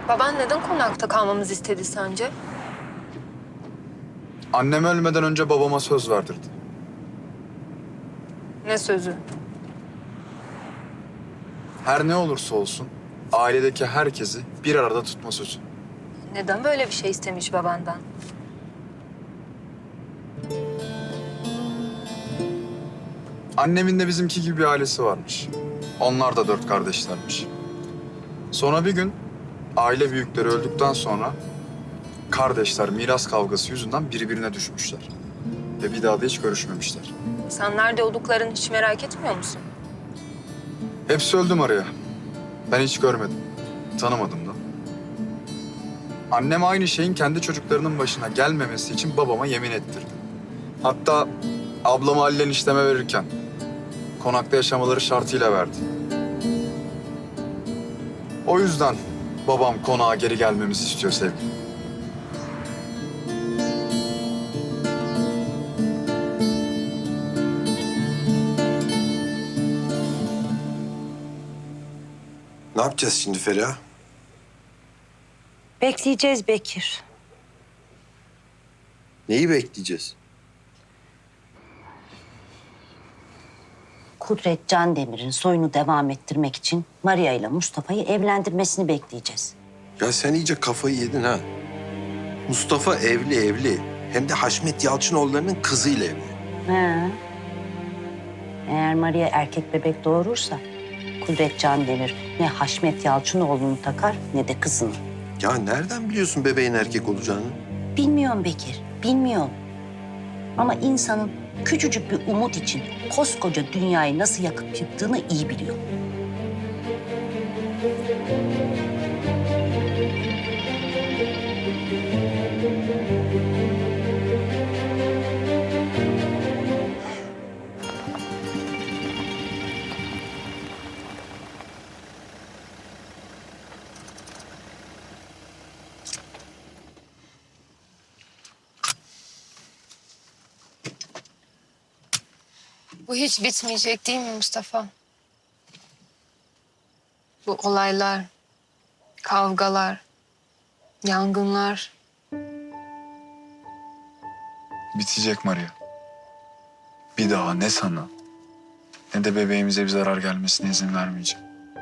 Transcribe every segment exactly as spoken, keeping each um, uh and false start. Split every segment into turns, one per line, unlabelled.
Baban neden konakta kalmamızı istedi sence?
Annem ölmeden önce babama söz verdirdi.
Ne sözü?
Her ne olursa olsun ailedeki herkesi bir arada tutma sözü.
Neden böyle bir şey istemiş babandan?
Annemin de bizimki gibi bir ailesi varmış. Onlar da dört kardeşlermiş. Sonra bir gün aile büyükleri öldükten sonra kardeşler miras kavgası yüzünden birbirine düşmüşler. Ve bir daha da hiç görüşmemişler.
Sen nerede olduklarını hiç merak etmiyor musun?
Hepsi öldü Maria. Ben hiç görmedim. Tanımadım da. Annem aynı şeyin kendi çocuklarının başına gelmemesi için babama yemin ettirdi. Hatta ablamı Halil'in işleme verirken konakta yaşamaları şartıyla verdi. O yüzden babam konağa geri gelmemizi istiyor sevgilim.
Ne yapacağız şimdi Feriha?
Bekleyeceğiz Bekir.
Neyi bekleyeceğiz?
Kudret Candemir'in soyunu devam ettirmek için Maria ile Mustafa'yı evlendirmesini bekleyeceğiz.
Ya sen iyice kafayı yedin ha. Mustafa evli evli. Hem de Haşmet Yalçınoğulları'nın kızıyla evli.
He. Eğer Maria erkek bebek doğurursa Kudret Candemir ne Haşmet Yalçınoğlu'nu takar ne de kızını.
Ya nereden biliyorsun bebeğin erkek olacağını?
Bilmiyorum Bekir, bilmiyorum. Ama insanın küçücük bir umut için koskoca dünyayı nasıl yakıp yıktığını iyi biliyor.
Bu hiç bitmeyecek değil mi Mustafa? Bu olaylar, kavgalar, yangınlar.
Bitecek Maria. Bir daha ne sana ne de bebeğimize bir zarar gelmesine izin vermeyeceğim.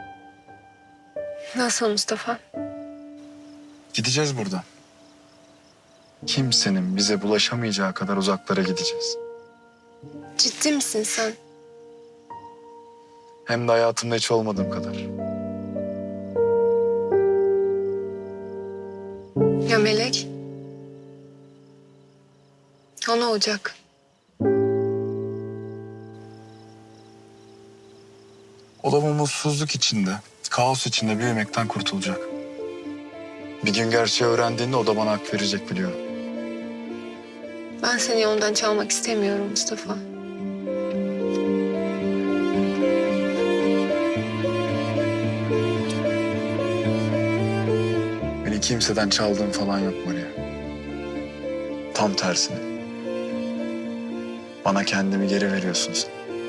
Nasıl Mustafa?
Gideceğiz buradan. Kimsenin bize bulaşamayacağı kadar uzaklara gideceğiz.
Ciddi misin sen?
Hem de hayatımda hiç olmadığım kadar.
Ya Melek? O ne olacak?
O da bu mutsuzluk içinde, kaos içinde büyümekten kurtulacak. Bir gün gerçeği öğrendiğinde o da bana hak verecek biliyorum.
Ben seni yoldan çalmak istemiyorum Mustafa.
Beni kimseden çaldığın falan yok Maria. Tam tersine. Bana kendimi geri veriyorsun sen.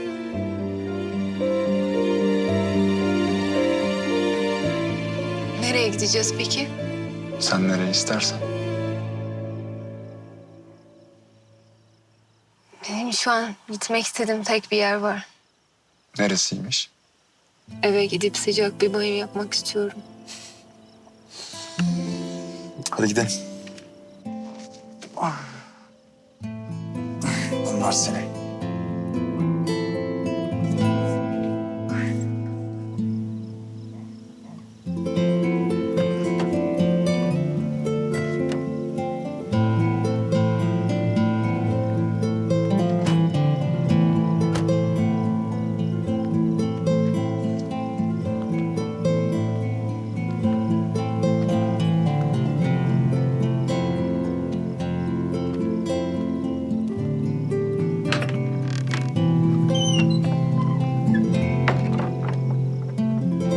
Nereye gideceğiz peki?
Sen nereye istersen.
Benim şu an gitmek istediğim tek bir yer var.
Neresiymiş?
Eve gidip sıcak bir banyo yapmak istiyorum.
Hadi gidelim. Bunlar seni.